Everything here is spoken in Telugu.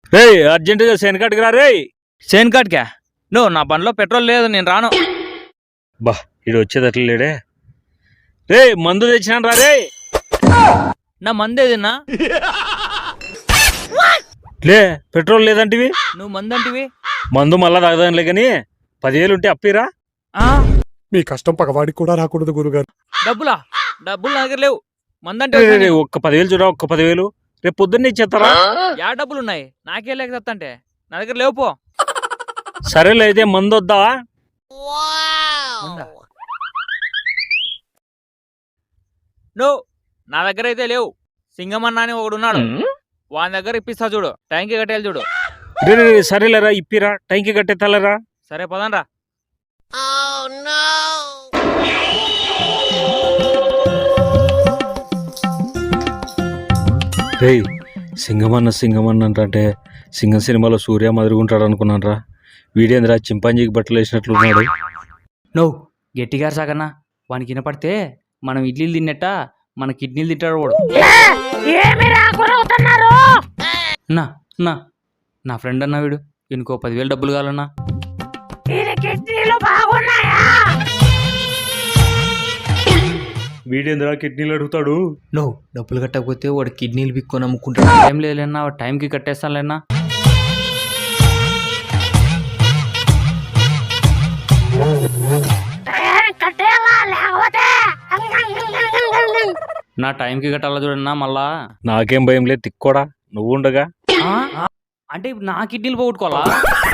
రే అర్జెంటుగా శని కాటికి రా రే. సేన్ కార్డ్కా నువ్వు నా బండిలో పెట్రోల్ లేదు నేను రాను. బా ఇడు వచ్చేది అట్లా లేడే. రే మందు తెచ్చినాను రా రే. నా మందేదిన్నా లే పెట్రోల్ లేదంటివి. నువ్వు మందంటివి. మందు మళ్ళా తాగదానిలే కానీ 10,000 ఉంటే అప్పిరా. ఆ మీ కష్టం పగవాడికి కూడా రాకూడదు గురుగారు. డబ్బులా? డబ్బులు నా దగ్గర లేవు. మందంటే రే, రే, రే, ఒక్క 10,000 చూడ, ఒక్క 10,000 రేపు పొద్దున్నే ఇచ్చేస్తారా. యా డబ్బులు ఉన్నాయి నాకే లేక చెప్తాంటే నా దగ్గర లేవు పో. సరేలే అయితే మందు వద్దా. ఉందా? నువ్వు నా దగ్గర అయితే లేవు. సింగమన్న అని ఒకడు ఉన్నాడు, వాని దగ్గర ఇప్పిస్తా చూడు. టైంకి కట్టేయాలి చూడు. రే రే, రే, సరేలేరా ఇప్పిరా, టైంకి కట్టేస్తాలేరా. సరే పదండ్రా. రే సింగమన్న అంటే సింగం సినిమాలో సూర్య మదురుగుంటాడు అనుకున్నాను రా. వీడేంద్రా చింపాంజీకి బట్టలు వేసినట్లున్నాడు. నువ్వు గట్టిగా సాగన్నా, వానికి వినపడితే మనం ఇడ్లీలు తిన్నట్ట మన కిడ్నీలు తింటాడు వాడు. నా నా నా ఫ్రెండ్ అన్నా వీడు, ఇంకో 10,000 డబ్బులు కావాలన్నా. వీడేంద్రా కిడ్నీలు అడుగుతాడు. నువ్వు డబ్బులు కట్టకపోతే వాడు కిడ్నీలు పిక్కొని అమ్ముకుంటాడు. ఏం లేదన్నా, టైంకి కట్టేస్తానులేనా. నా టైంకి కట్టాలా చూడన్నా మళ్ళా. నాకేం భయం లేదు తిక్కోడా, నువ్వు ఉండగా. అంటే ఇప్పుడు నా కిడ్నీలు పోగొట్టుకోవాలా?